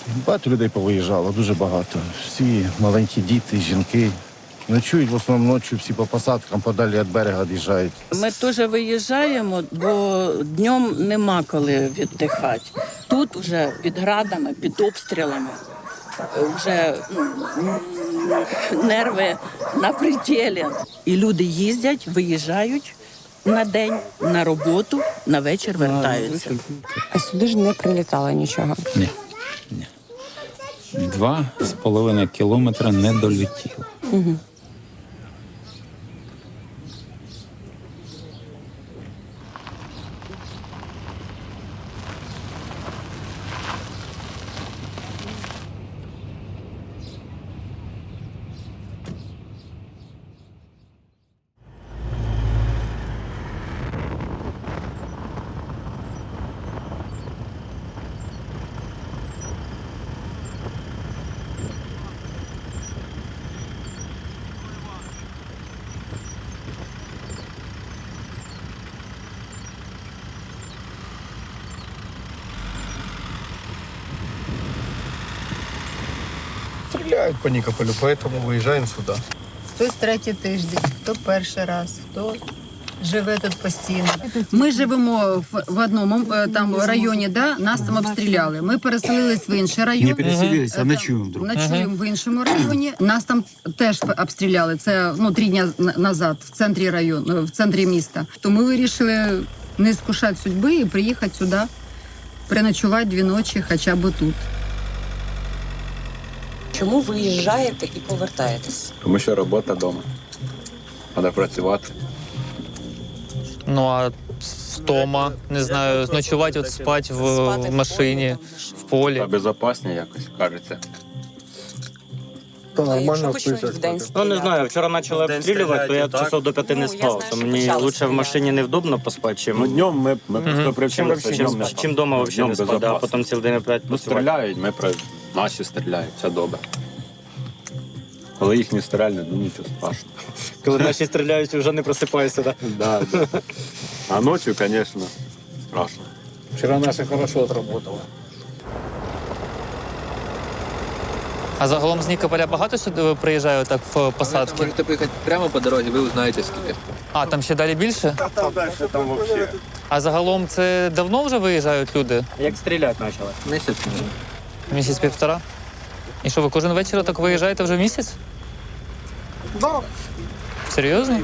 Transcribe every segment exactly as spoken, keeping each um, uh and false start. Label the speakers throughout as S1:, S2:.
S1: Багато людей повиїжджало, дуже багато. Всі маленькі діти, жінки. Ночують в основному ночі, всі по посадкам, подалі від берега від'їжджають.
S2: Ми теж виїжджаємо, бо днем нема коли віддихати. Тут вже під градами, під обстрілами, вже м, нерви на пределі. І люди їздять, виїжджають на день, на роботу, на вечір вертаються.
S3: А сюди ж не прилітало нічого.
S4: Ні. Ні. Два з половиною кілометра не долетіло.
S3: Угу.
S5: Стреляют по Никополю, поэтому выезжаем сюда.
S6: Хтось третій тиждень, хто перший раз, хто живе тут постійно.
S7: Ми живемо в, в одному е, там районі, да, нас там обстріляли. Ми переселились в інший район.
S8: Не переселились,
S7: Е,
S8: а ночуємо вдруг.
S7: Ночуємо в іншому районі. Нас там теж обстріляли. Це ну три дні на- назад, в центрі району, в центрі міста. То ми вирішили не скушати судьби і приїхати сюди, переночувати дві ночі, хоча б тут.
S3: Чому виїжджаєте і повертаєтесь?
S9: Тому що робота вдома. Треба працювати.
S10: Ну а втома, не знаю, ночувати, от спати в,
S3: Спати
S10: в машині, в полі.
S9: Та безпечніше якось, кажеться.
S5: То
S3: А якщо
S5: нормально
S3: хоч щось
S5: спиться.
S3: в день
S11: Ну не знаю, вчора почали обстрілювати, то я часов до п'яти не
S3: Ну, я
S11: спав.
S3: знаю,
S11: То
S3: що
S11: мені
S3: почали
S11: лучше в
S3: стріляти.
S11: машині невдобно поспати, чим
S9: Ну, днем ми, ми
S10: Мгм.
S9: просто
S11: чим,
S9: привчилися,
S11: чим,
S9: днем не
S11: чим вдома взагалі не
S9: Днем
S11: спати, а
S9: безопасно.
S11: потім цілий день опять
S9: Ну,
S11: працювати.
S9: стріляють, ми про наші стріляють, все добре. Коли їх не стріляють, ну нічого страшного.
S11: Коли наші стріляють, вже не просипаюся. Да?
S9: Да, да. А ночі, звісно, страшно.
S8: Вчора наші хорошо отработали.
S10: А загалом з Нікополя багато сюди приїжджає так в посадки?
S12: Можете поїхати прямо по дорозі, ви узнаєте скільки.
S10: А, там ще далі більше?
S9: Там далі, там взагалі.
S10: А загалом це давно вже виїжджають люди?
S11: Як стріляти почали?
S12: Місяць.
S10: Місяць-півтора? І що, ви кожен вечір так виїжджаєте вже місяць?
S5: Да.
S10: Серйозно?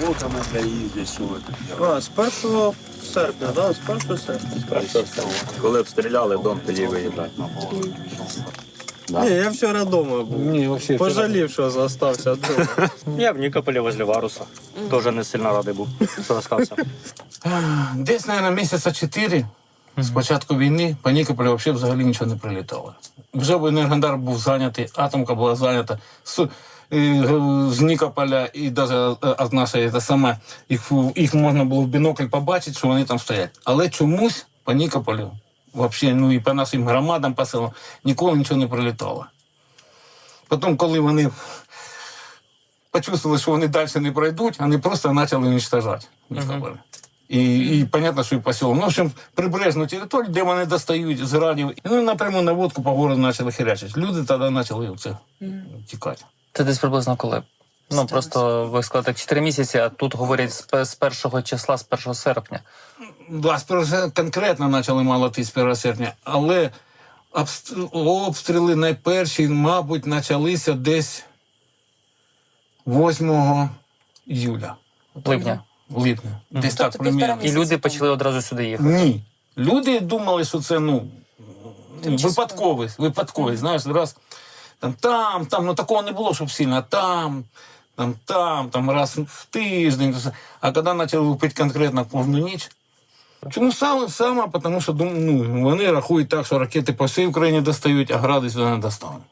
S5: А, з першого серпня, да, з першого серпня.
S9: Коли обстріляли дом, тоді виїжджати. Да.
S5: Ні, я вчора вдома був.
S8: Ні, взагалі.
S5: Пожалів, що залишився вдома.
S11: Я в Нікополі возле Варуса. Теж не сильно радий був, що залишився.
S8: Десь, мабуть, місяця чотири з початку війни по Нікополю взагалі взагалі нічого не прилітало. Вже б Енергодар був зайнятий, атомка була зайнята. З, е, з Нікополя і навіть від нашої те саме, їх, їх можна було в бінокль побачити, що вони там стоять. Але чомусь по Нікополю, взагалі, ну і по нашим громадам, по селам, ніколи нічого не прилітало. Потім, коли вони почувствовали, що вони далі не пройдуть, вони просто почали уничтожати Нікополь. І, і понятно, що і по селам. Ну, в общем, прибережну територію, де вони достають з градів. Ну, напряму наводку по городу почали херячити. Люди тоді почали це тікати.
S10: Це десь приблизно коли? Ну, просто ви сказали так чотири місяці, а тут говорять з пе- з першого числа, з першого серпня.
S8: Да, з першого конкретно почали молоти з першого серпня, але обст- обстріли найперші, мабуть, почалися десь восьмого июля.
S10: Липня.
S8: Липня. Десь
S3: Тобто
S8: так примірно.
S10: І люди почали одразу сюди їхати.
S8: Ні. Люди думали, що це, ну, випадковий, випадковий, знаєш, раз там, там, там, ну такого не було, щоб сильно, там, там, там, там, раз в тиждень. А коли почали лупити конкретно кожну ніч, чому саме? Саме, тому що ну, вони рахують так, що ракети по всій Україні достають, а гради сюди не достануть.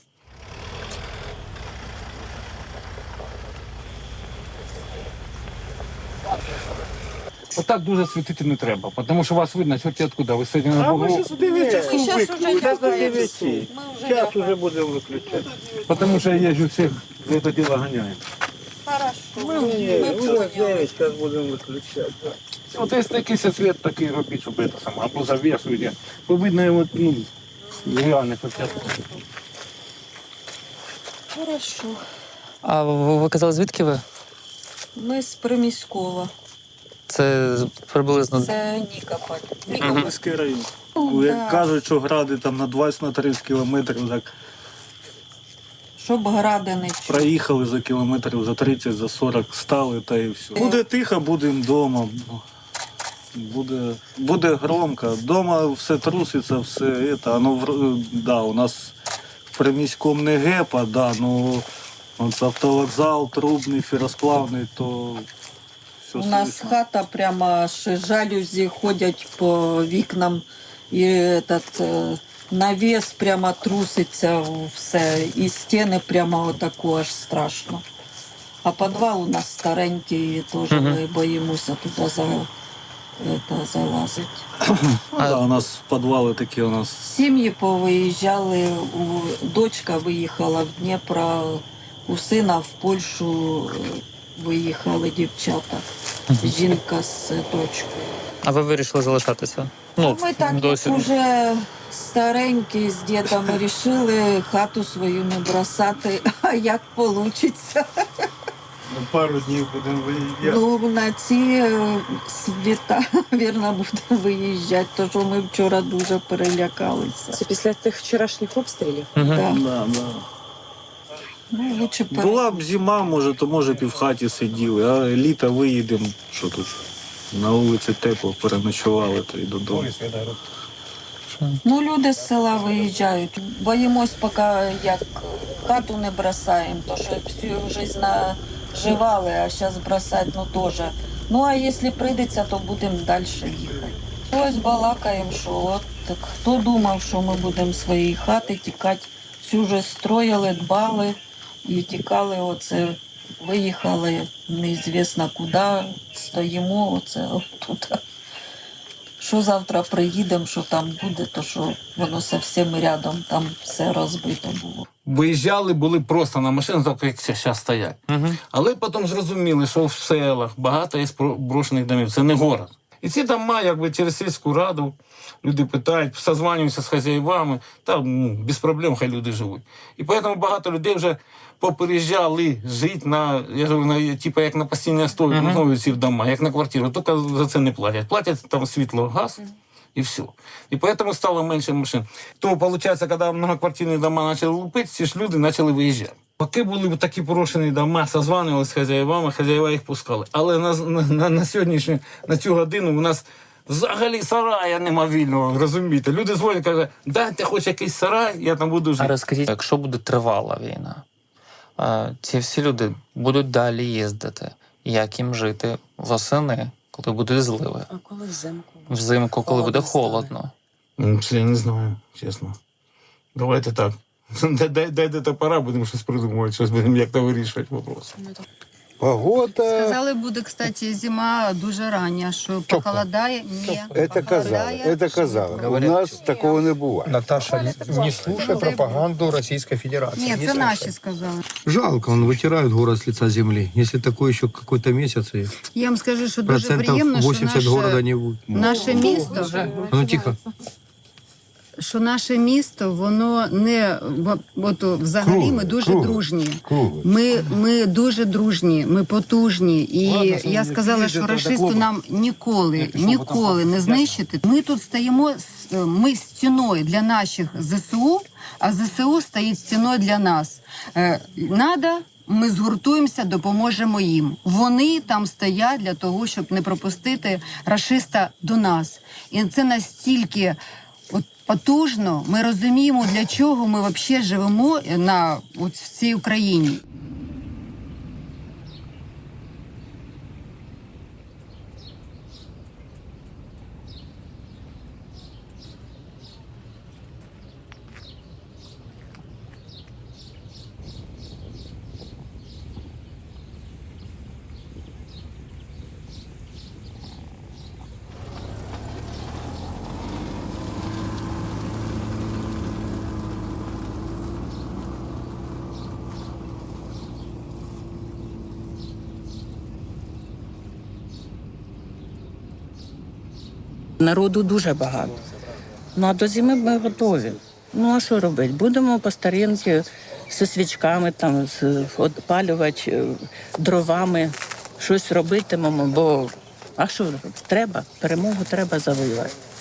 S8: Отак дуже світити не треба, тому що вас видно, чорті откуда. Ви сидите на Богу.
S5: Зараз вже будемо виключати.
S8: Тому що я їжджу всіх за це діло ганяю.
S5: Ми вже дев'ять, зараз будемо виключати.
S8: От якщо якийсь світ такий робіть, щоб це саме, або завішуєте, бо видно, от, ну,
S11: Я не хочу.
S13: Хорошо.
S10: А ви, ви казали, звідки ви?
S13: Ми з Приміськова.
S10: Це приблизно.
S13: Це Нікополь.
S5: Нікопольський район.
S13: Ну,
S5: Як
S13: да.
S5: кажуть, що гради там на двадцять тридцять кілометрів, так
S13: Щоб гради не чули.
S5: проїхали за кілометрів за тридцять, за сорок, стали та і все. Буде тихо, будемо вдома. Буде, буде громко. Дома все труситься, все це. Оно, в- да, у нас в Приміському не гепа, да, ну от автовокзал, трубний, феросплавний, то все
S13: У нас
S5: слышно.
S13: хата прямо аж жалюзі ходять по вікнам. І этот, е, навіс прямо труситься все. І стіни прямо отако аж страшно. А підвал у нас старенький, теж ми боїмося туди за, это, залазити.
S5: Ну, да, у нас підвали такі у нас.
S13: Сім'ї повиїжджали, у, дочка виїхала в Дніпро, у сина в Польщу е, виїхали дівчата, жінка з дочкою.
S10: А ви вирішили залишатися? Ну,
S13: Ми так
S10: досі.
S13: як уже старенькі з дідом вирішили хату свою не бросати, а як вийде.
S5: Пару днів будемо виїжджати.
S13: Ну, на ці е, світа, вірно, будемо виїжджати, тому що ми вчора дуже перелякалися.
S3: Це після тих вчорашніх обстрілів?
S10: Угу.
S13: Да.
S5: Да, да.
S13: Ну, лучше пере-
S5: Була б зима, може, то може б і в хаті сиділи, а літо виїдемо, що тут на вулиці тепло, переночували то й додому.
S13: Ну, люди з села виїжджають. Боїмось, поки як хату не бросаємо, то що всю життя наживали, а зараз бросати, ну теж. Ну, а якщо прийдеться, то будемо далі їхати. Ось балакаємо, що от так, хто думав, що ми будемо з своєї хати тікати, всю вже строїли, дбали і тікали, оце, виїхали неізвісно куди, стоїмо, оце тут. Що завтра приїдемо, що там буде, то що воно зовсім рядом, там все розбито було.
S8: Виїжджали, були просто на машинах, так як зараз стоять.
S10: Угу.
S8: Але потім зрозуміли, що в селах багато є спро- брошених домів. Це не город. І ці дома, якби через сільську раду, люди питають, созванюються з хазяївами, там ну, без проблем хай люди живуть. І тому багато людей вже попереїжджали жити на, я говорю, на, типу, як на постійній основі,
S10: Мгм.
S8: uh-huh. ці в дома, як на квартиру, тільки за це не платять. Платять там світло, газ. І все. І тому стало менше машин. Тому, виходить, коли многоквартирні дома почали лупити, ці ж люди почали виїжджати. Поки були такі порушені дома, созванювалися з хазяївами, хазяїва їх пускали. Але на, на, на сьогоднішню, на цю годину у нас взагалі сарая нема вільного, розумієте? Люди дзвонять, кажуть, дайте хоч якийсь сарай, я там буду
S10: А
S8: жити.
S10: розкажіть, якщо буде тривала війна, а, ці всі люди будуть далі їздити. Як їм жити восени, коли будуть зливи?
S3: А коли взимку?
S10: Взимку, коли буде холодно.
S8: Ну, це я не знаю, чесно. Давайте так. Дай- дай- Дайте топора, будемо щось придумувати, щось будемо як-то вирішувати вопрос.
S1: Погода,
S7: Сказали, буде, кстати, зима дуже рання, що похолодає. Ні,
S1: это казали, это казали. У нас такого не буває.
S14: Наташа, не слушай пропаганду Российской Федерации.
S7: Ні,
S14: Не
S7: це
S14: слушай.
S7: наші сказали.
S14: Жалко, он вытирают город с лица земли. Если такой еще какой-то месяц, и
S7: Я вам скажу, що дуже
S14: процентов
S7: приємно, що
S14: восемьдесят города
S7: наше,
S14: не будет.
S7: наше місто,
S14: А ну тихо.
S7: що наше місто, воно не в- от, взагалі
S1: Кругле,
S7: ми дуже
S1: кругле.
S7: дружні.
S1: Кругле.
S7: Ми, ми дуже дружні, ми потужні. І
S1: Ладно, що
S7: я
S1: ви
S7: сказала,
S1: не
S7: що
S1: підійдете до
S7: рашисту
S1: клубу.
S7: нам ніколи,
S1: Я пішов,
S7: ніколи не знищити. Ми тут стоїмо, з- ми стіною для наших ЗСУ, а ЗСУ стоїть стіною для нас. Е, Надо, ми згуртуємося, допоможемо їм. Вони там стоять для того, щоб не пропустити рашиста до нас. І це настільки от потужно. Ми розуміємо, для чого ми взагалі живемо на от в цій Україні.
S2: Народу дуже багато. Ну а до зими ми готові. Ну а що робити? Будемо по старинки зі свічками, там, з- опалювати е, дровами, щось робитимемо, бо а що треба? Перемогу треба завоювати.